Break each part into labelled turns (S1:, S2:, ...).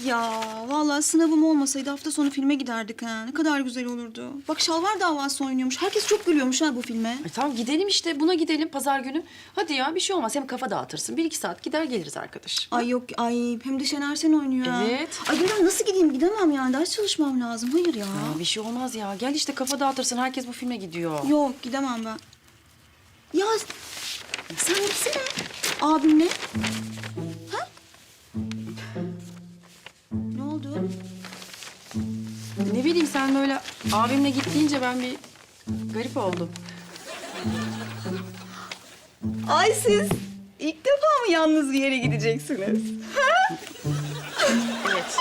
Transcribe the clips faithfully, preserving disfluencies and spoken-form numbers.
S1: Ya vallahi sınavım olmasaydı hafta sonu filme giderdik ha. Ne kadar güzel olurdu. Bak Şalvar Davası oynuyormuş. Herkes çok gülüyormuş ha bu filme.
S2: Ay, tamam gidelim işte. Buna gidelim pazar günü. Hadi ya bir şey olmaz. Hem kafa dağıtırsın. Bir iki saat gider geliriz arkadaş.
S1: Ay yok ay hem de Şener Şen oynuyor ha.
S2: Evet.
S1: Ay ben nasıl gideyim gidemem yani ders çalışmam lazım. Hayır ya.
S2: Ya, bir şey olmaz ya. Gel işte kafa dağıtırsın. Herkes bu filme gidiyor.
S1: Yok gidemem ben. Ya sen gitsene abimle. Ha? Ne oldu?
S2: Ne bileyim sen böyle abimle git deyince ben bir garip oldum.
S1: Ay siz ilk defa mı yalnız bir yere gideceksiniz?
S2: Evet.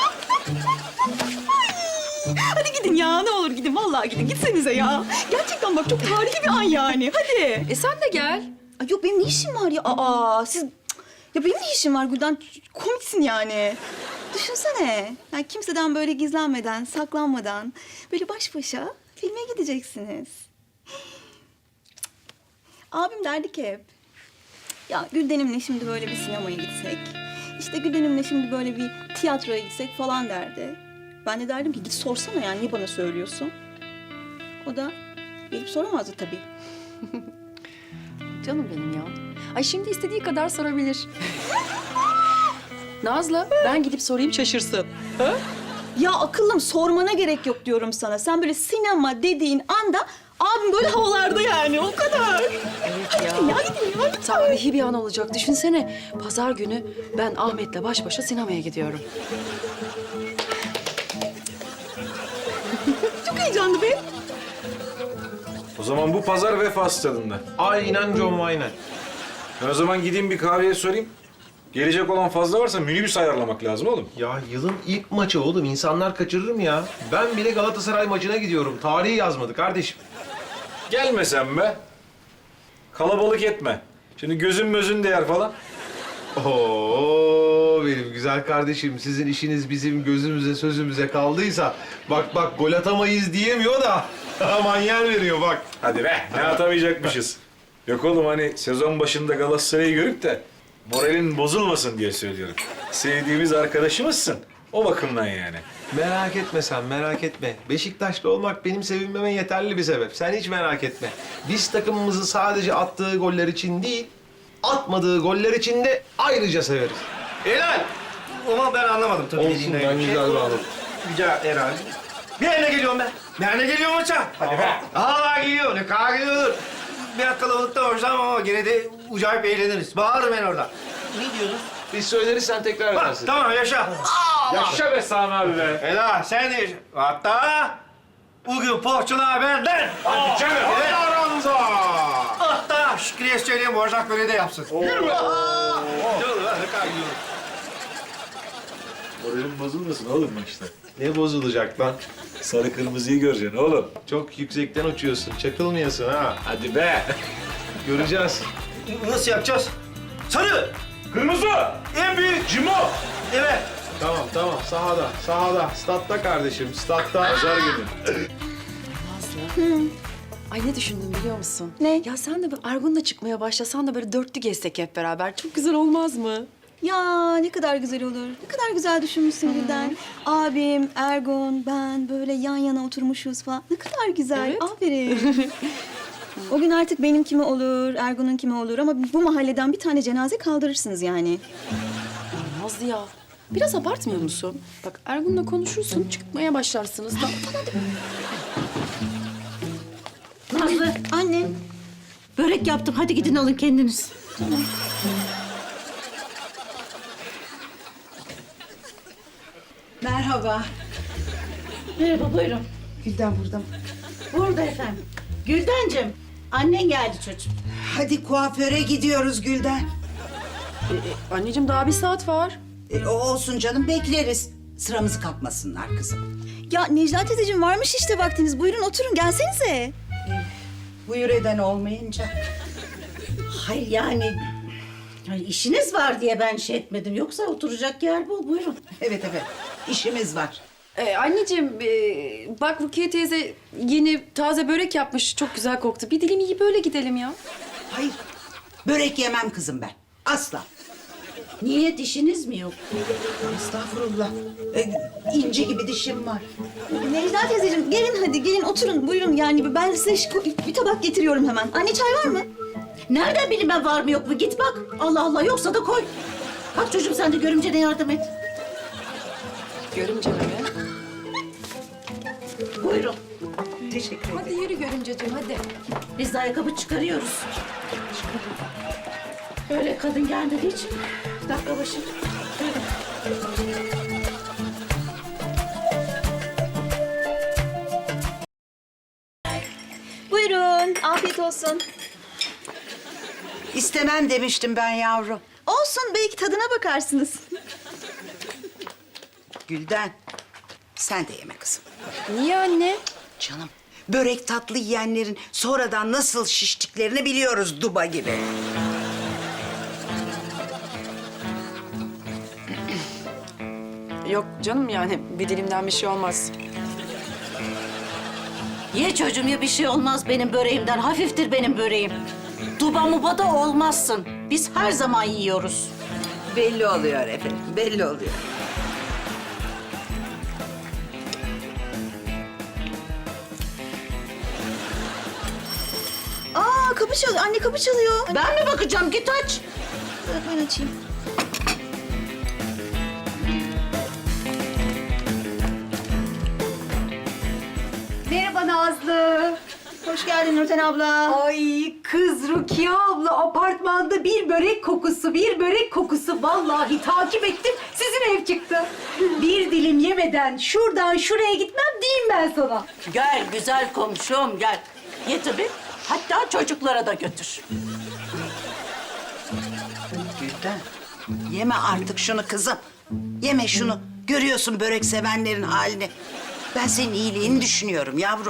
S1: Hadi gidin ya ne olur gidin vallahi gidin gitsenize ya. Gerçekten bak çok tarihi bir an yani hadi.
S2: E sen de gel.
S1: Ay yok benim ne işim var ya? Aa siz... Ya benim ne işim var Gülden? Komiksin yani. Düşünsene. Yani kimseden böyle gizlenmeden, saklanmadan... ...böyle baş başa filme gideceksiniz. Abim derdi ki hep... ...ya Gülden'imle şimdi böyle bir sinemaya gitsek... ...işte Gülden'imle şimdi böyle bir tiyatroya gitsek falan derdi. Ben de derdim ki git sorsana yani niye bana söylüyorsun? O da gelip soramazdı tabii.
S2: Canım benim ya. Ay şimdi istediği kadar sorabilir. Nazlı ben gidip sorayım şaşırsın. Ha?
S1: Ya akıllım sormana gerek yok diyorum sana. Sen böyle sinema dediğin anda abim böyle havalarda yani o kadar.
S2: Evet ya.
S1: Ya gidin ya.
S2: Tarihi bir an olacak. Düşünsene. Pazar günü ben Ahmet'le baş başa sinemaya gidiyorum.
S1: Çok heyecanlı be.
S3: O zaman bu pazar Vefa Stadı'nda. Aynen John Wayne. Ben o zaman gideyim bir kahveye sorayım. Gelecek olan fazla varsa minibüs ayarlamak lazım oğlum.
S4: Ya yılın ilk maçı oğlum. İnsanlar kaçırır mı ya? Ben bile Galatasaray maçına gidiyorum. Tarihi yazmadı kardeşim.
S3: Gelmesen be. Kalabalık etme. Şimdi gözün mözün değer falan.
S4: Oo benim güzel kardeşim. Sizin işiniz bizim gözümüze sözümüze kaldıysa... ...bak bak gol atamayız diyemiyor da... ...aman yer veriyor bak.
S3: Hadi be. Ne atamayacakmışız. Yok oğlum hani sezon başında Galatasaray'ı görüp de... ...moralin bozulmasın diye söylüyorum. Sevdiğimiz arkadaşımızsın. O bakımdan yani.
S4: Merak etme sen, merak etme. Beşiktaşlı olmak benim sevinmeme yeterli bir sebep. Sen hiç merak etme. Biz takımımızı sadece attığı goller için değil... ...atmadığı goller için de ayrıca severiz.
S5: Helal. Ama ben anlamadım tabii
S4: Olsun,
S5: dediğinden.
S4: ben güzel bağladım.
S5: Güzel herhalde. Bir yerine geliyorum ben. Bir yerine geliyorum maça. Hadi be. Aa geliyor. Ne kadar geliyor. Biraz kalabalıkta hoşlanmam ama gene de acayip eğleniriz. Bağırırım ben orada. Ne diyorsun?
S4: Biz söyleriz sen tekrar
S5: Bak,
S4: edersin.
S5: tamam yaşa.
S3: Yaşa be Sami abi be.
S5: Helal sen de yaşa. Hatta bugün poğaçalar benden.
S3: Hadi canım.
S5: Evet.
S4: Aranza!
S5: Hatta Şükrü'ye söyleyeyim Borzak böyle de yapsın. Yürü be. Dur lan ne kadar gidiyorum.
S3: Moralin bozulmasın oğlum maçta.
S4: Ne bozulacak lan?
S3: Sarı kırmızıyı göreceksin oğlum.
S4: Çok yüksekten uçuyorsun. Çakılmayasın ha.
S3: Hadi be.
S4: Göreceğiz.
S5: Nasıl yapacağız? Sarı.
S3: Kırmızı.
S5: En büyük.
S3: Cimo.
S5: Evet.
S4: Tamam tamam sahada sahada statta kardeşim statta.
S3: Pazar günü.
S2: Nazlı. Ay ne düşündüm biliyor musun?
S1: Ne?
S2: Ya sen de böyle Ergun'la çıkmaya başlasan da böyle dörtlü gezsek hep beraber. Çok güzel olmaz mı?
S1: Ya ne kadar güzel olur. Ne kadar güzel düşünmüşsün Gülden. Abim, Ergun, ben böyle yan yana oturmuşuz falan. Ne kadar güzel.
S2: Evet.
S1: Aferin. O gün artık benim kimi olur, Ergun'un kimi olur ama bu mahalleden bir tane cenaze kaldırırsınız yani.
S2: Ya Nazlı ya. Biraz abartmıyor musun? Bak Ergun'la konuşursun, çıkmaya başlarsınız. Da.
S6: Nazlı,
S1: Anne.
S6: börek yaptım. Hadi gidin alın kendiniz. Merhaba. Merhaba, buyurun. Gülden burada mı? Burada efendim. Güldencim, annen geldi çocuğum.
S7: Hadi kuaföre gidiyoruz Gülden.
S2: E, e, anneciğim daha bir saat var.
S7: E, o olsun canım bekleriz. Sıramızı kapmasınlar kızım.
S1: Ya Necla teyzeciğim varmış işte vaktiniz. Buyurun oturun gelsenize.
S7: Buyur eden olmayınca.
S6: Hayır yani... yani işiniz var diye ben şey etmedim. Yoksa oturacak yer bul, buyurun.
S7: Evet evet işimiz var.
S2: E, anneciğim e, bak Rukiye teyze yeni taze börek yapmış. Çok güzel koktu. Bir dilim yiyip böyle gidelim ya.
S7: Hayır börek yemem kızım ben. Asla.
S6: Niye dişiniz mi yok?
S7: Estağfurullah. Ee, inci gibi dişim var.
S1: Necla teyzeciğim gelin hadi gelin oturun buyurun yani ben size şu- bir tabak getiriyorum hemen. Anne çay var mı?
S6: Nereden bileyim ben var mı yok mu? Git bak. Allah Allah yoksa da koy. Bak çocuğum sen de görümcene yardım et.
S2: Görümce mi?
S6: Buyurun.
S7: Teşekkür ederim.
S2: Hadi yürü görümceciğim hadi.
S6: Biz de ayakkabı çıkarıyoruz. Öyle kadın gelmediği için. Dakika başı. Buyurun.
S1: Buyurun afiyet olsun.
S7: İstemem demiştim ben yavrum.
S1: Olsun belki tadına bakarsınız.
S7: Gülden, sen de yeme kızım.
S2: Niye anne?
S7: Canım, börek tatlı yiyenlerin sonradan nasıl şiştiklerini biliyoruz duba gibi.
S2: Yok canım yani bir dilimden bir şey olmaz.
S6: Ye çocuğum ya bir şey olmaz benim böreğimden. Hafiftir benim böreğim. Duba muba da olmazsın. Biz her zaman yiyoruz.
S7: Belli oluyor efendim, belli oluyor.
S1: Aa kapı çalıyor anne kapı çalıyor.
S6: Ben mi bakacağım? Git aç.
S1: Ben açayım.
S8: Merhaba Nazlı.
S1: Hoş geldin Nurten abla.
S8: Ay kız Rukiye abla apartmanda bir börek kokusu, bir börek kokusu. Vallahi takip ettim, sizin ev çıktı. Bir dilim yemeden şuradan şuraya gitmem diyeyim ben sana.
S6: Gel güzel komşum gel. Ye tabii. Hatta çocuklara da götür.
S7: Gülden, yeme artık şunu kızım. Yeme şunu. Görüyorsun börek sevenlerin halini. Ben senin iyiliğini düşünüyorum yavrum.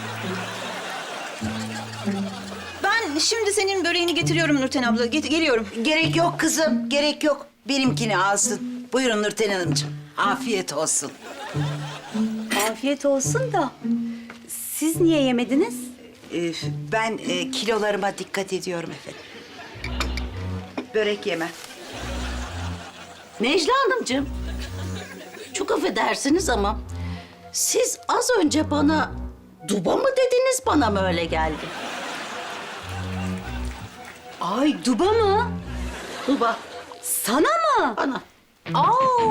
S1: Ben şimdi senin böreğini getiriyorum Nurten abla. Get- geliyorum.
S7: Gerek yok kızım, gerek yok. Benimkini alsın. Buyurun Nurten Hanımcığım. Afiyet olsun.
S8: Afiyet olsun da siz niye yemediniz?
S7: Ee, ben e, kilolarıma dikkat ediyorum efendim. Börek yeme.
S6: Necla Hanımcığım. Çok affedersiniz ama siz az önce bana duba mı dediniz bana mı öyle geldi?
S8: Ay duba mı?
S6: Duba
S8: Sana mı?
S6: bana.
S8: Aa.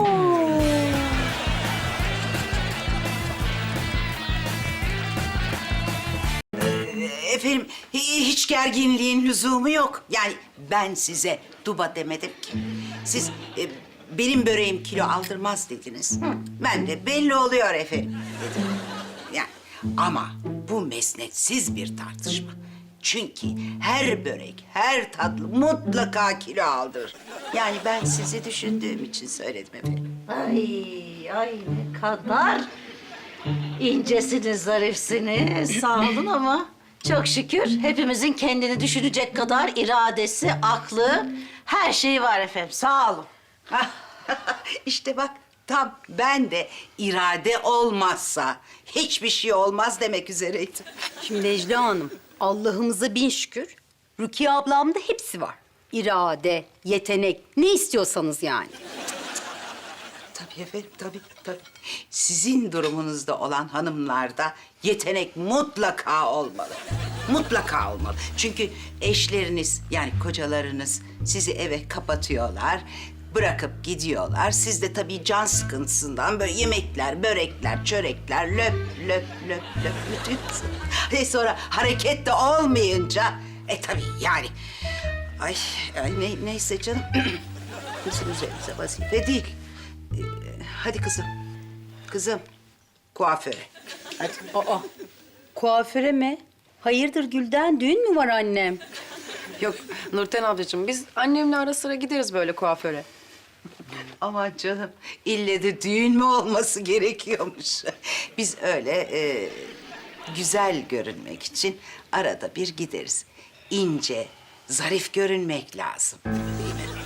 S7: Efendim hi- hiç gerginliğin lüzumu yok. Yani ben size duba demedim ki. Siz e, benim böreğim kilo aldırmaz dediniz. Ben de belli oluyor efendim dedim. Yani ama bu mesnetsiz bir tartışma. Çünkü her börek, her tatlı mutlaka kilo aldırır. Yani ben sizi düşündüğüm için söyledim efendim.
S6: Ay ay ne kadar incesiniz, zarifsiniz. Sağ olun ama çok şükür hepimizin kendini düşünecek kadar iradesi, aklı, her şeyi var efendim. Sağ olun.
S7: İşte bak tam ben de irade olmazsa hiçbir şey olmaz demek üzereydim.
S8: Şimdi Necla Hanım, Allah'ımıza bin şükür. Rukiye ablamda hepsi var. İrade, yetenek, ne istiyorsanız yani.
S7: Tabii efendim, tabii, tabii. Sizin durumunuzda olan hanımlarda yetenek mutlaka olmalı. Mutlaka olmalı. Çünkü eşleriniz, yani kocalarınız sizi eve kapatıyorlar, bırakıp gidiyorlar. Siz de tabii can sıkıntısından böyle yemekler, börekler, çörekler, löp löp löp löp bütün. E sonra hareket de olmayınca, e tabii yani. Ay, ay ne, neyse canım. Bizim üzerimize vazife değil. Ee, hadi kızım. Kızım. Kuaföre. Hadi.
S8: Aa, kuaföre mi? Hayırdır Gülden, düğün mü var annem?
S2: Yok Nurten ablacığım biz annemle ara sıra gideriz böyle kuaföre.
S7: Aman canım. İlle de düğün mü olması gerekiyormuş. Biz öyle e, güzel görünmek için arada bir gideriz. İnce, zarif görünmek lazım. Değil mi?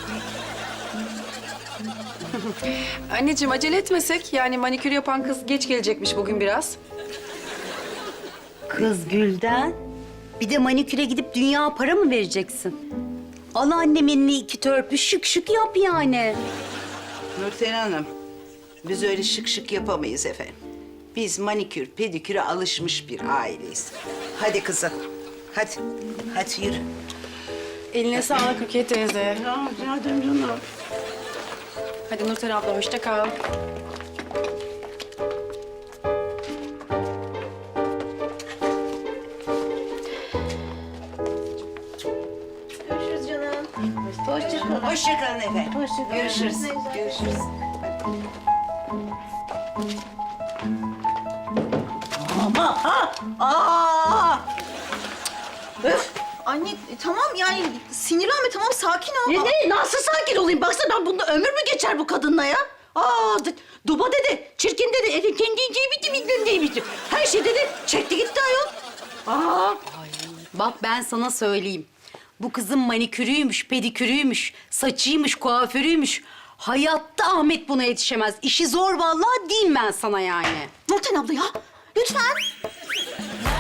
S2: Anneciğim acele etmesek yani manikür yapan kız geç gelecekmiş bugün biraz.
S8: Kız Gülden, bir de maniküre gidip dünya para mı vereceksin? Al annemin iki törpü şık şık yap yani.
S7: Nurten Hanım, biz öyle şık şık yapamayız efendim. Biz manikür, pediküre alışmış bir aileyiz. Hadi kızım, hadi. Hadi yürü.
S2: Eline sağlık Rukiye teyze.
S7: Ya, rica ederim canım.
S2: Hadi Nurten abla hoşça kal.
S1: Görüşürüz canım.
S6: Hoşçakalın.
S7: Hoşçakalın efendim.
S6: Hoşçakalın.
S7: Görüşürüz. Görüşürüz.
S6: Ama ha! Aa! Öf!
S1: Anne e, tamam yani sinirlenme tamam sakin ol.
S6: Ne, ne? Nasıl sakin olayım? Baksana ben bunda ömür mü geçer bu kadınla ya? Aa, d- duba dedi, çirkin dedi, elin kendi inceyi bitti, bilmem neyi bitti. Her şey dedi, çekti gitti ayol. Aa,
S8: Bak ben sana söyleyeyim. Bu kızın manikürüymüş, pedikürüymüş, saçıymış, kuaförüymüş. Hayatta Ahmet buna yetişemez. İşi zor vallahi diyeyim ben sana yani.
S1: Nurten abla ya lütfen.